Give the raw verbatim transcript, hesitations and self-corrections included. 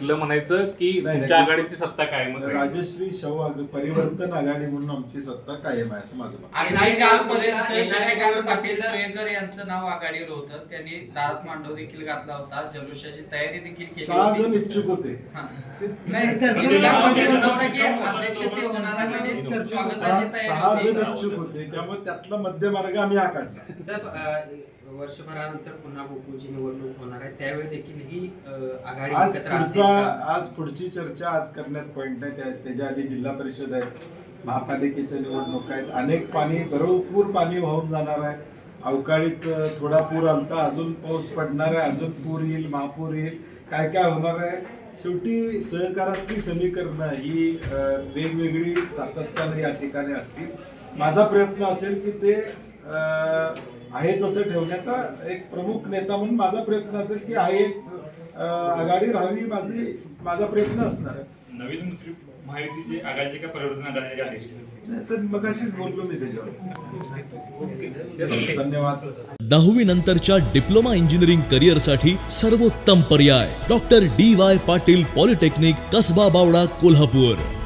फिरलं म्हणायचं की नाही, तुमच्या नाही. आघाडीची सत्ता कायमच राहील? राजश्री शव आग- परिवर्तन आघाडी म्हणून आमची सत्ता कायम आहे असं माझं मत आहे. आणि कालपर्यंत येणाऱ्या शशिकांत काळात पाटील आपल्याला- सोयकर यांचं नाव आघाडीवर होतं. त्यांनी दारात मांडव देखील घातला होता. जल्लोषाची तयारी देखील केली सहा होती. जण इच्छुक होते. हा. नाही, म्हणजे म्हणजे त्या- यामध्ये त्या- नव्हतं की अध्यक्षते होणार आहे म्हणजे सहा स्वागताची सहा जण तयारी इच्छुक होते त्यामुळे त्यातला मध्यमार्ग आम्ही हा काढला. साहेब अ, वर्षभरानंतर पुन्हा गोकुळची निवडणूक होणार आहे त्यावेळी देखील ही अ, आघाडी आज एकत्र असेल पुढचा का? आज पुढची चर्चा आज करण्यात पॉईंट नाही. त्या- त्याच्या आधी जिल्हा परिषद आहेत, महापालिकेच्या निवडणूक आहेत, अनेक पाणी भरपूर पाणी वाहून जाणार आहे. अवकाळीत अ, थोडा पूर आलता, अजून पाऊस पडणार आहे, अजून पूर येईल, महापूर येईल, काय काय होणार आहे. शेवटी सहकारातली समीकरणं ही अ, वेगवेगळी सातत्याने या ठिकाणी असतील. माझा प्रयत्न असेल की ते अ, आहे तसं ठेवण्याचा एक प्रमुख नेता म्हणून माझा प्रयत्न असेल की आहेच अ, आघाडी राहावी, माझी माझा प्रयत्न असणार आहे. नवीन मुस्लिम महायुतीची आघाडीची का परिवर्तन आघाडीची अध्यक्ष? नाही, तर मग अशीच बोललो मी त्याच्यावर. धन्यवाद. दहावी नंतरच्या डिप्लोमा इंजिनिअरिंग करिअरसाठी सर्वोत्तम पर्याय doctor D Y Patil polytechnic Kasba Bawada Kolhapur.